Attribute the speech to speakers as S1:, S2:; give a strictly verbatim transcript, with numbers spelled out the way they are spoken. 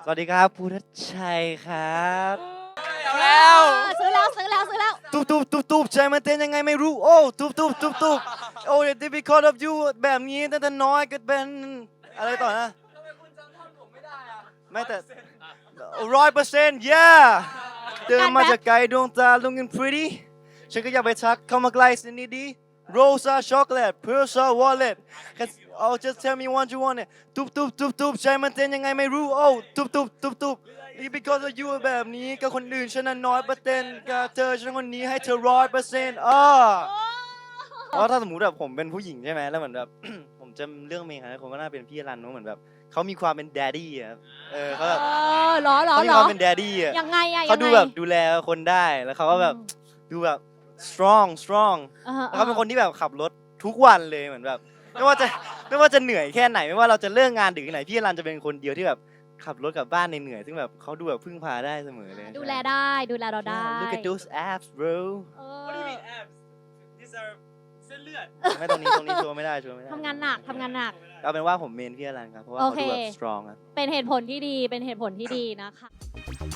S1: สวัสดีครับพุทธชัยครับ
S2: เอาแล้ว
S3: ซื้อแล้วซื้อแล้วซื้อแล้ว
S1: ตุบตุบตุบตุบใจมันเต้นยังไงไม่รู้โอ้ตุบตุบตุบตุบโอ้ the difficult of you แบบนี้ตั้งแต่น้อยก็เป็นอะไรต่อนะไม่แต่ร้อยเปอร์เซ็นต์ yeah เดินมาจากไกลดวงตา looking pretty ฉันก็อยากไปทักเข้ามาใกล้สินิดดี Rosa chocolate Persa wallet oh just tell me what you want it ตุบตุบตุบตุบใจมันเต้นยังไงไม่รู้โอ้ตุบตุบตุบตุบ because of you แบบนี้กับคนอื่นฉันนั้นน้อยเปอร์เซ็นต์กับเธอฉันคนนี้ให้เธอร้อยเปอร์เซ็นต์อ่าเพราะถ้าสมมติแบบผมเป็นผู้หญิงใช่ไหมแล้วเหมือนแบบ ผมจะเรื่องเมย์ครับผมก็น่าเป็นพี่รันเนอะเหมือนแบบเขามีความเป็น daddy อะครับเออเขาแบบ
S3: เออเหรอเหรอ
S1: เขามี
S3: เหร
S1: ค
S3: อ
S1: วามเป็น daddy อะ
S3: ยังไงอะ
S1: เขาดู
S3: ยังไง
S1: แบบดูแลคนได้แล้วเขาก็แบบดูแบบ strong strong
S3: ออ
S1: แล้วเขาเป็นคนที่แบบขับรถทุกวันเลยเหมือนแบบไม่ว่าจะไม่ว่าจะเหนื่อยแค่ไหนไม่ว่าเราจะเลิกงานดึกแค่ไหนพี่รันจะเป็นคนเดียวที่แบบขับรถกลับบ้านเหนื่อยๆซึ่งแบบเขาดูแบบพึ่งพาได้เสมอเลย
S3: ดูแลได้ดูแลเราได้
S1: Yeah, look at those abs bro
S3: เอ
S2: What do you
S3: อ
S2: mean abs These are เส้นเลือด
S1: ไม่ตรงนี้ตรงนี้โชว์ไม่ได้โชว์ไม่ได้
S3: ทำงานหนักทำงานหนัก
S1: เอาเป็นว่าผมเมนพี่รันครับเพราะว่า
S3: โอ
S1: เขา
S3: เค
S1: ดูแบบ strong ครับ
S3: เป็นเหตุผลที่ดีเป็นเหตุผลที่ดีนะคะ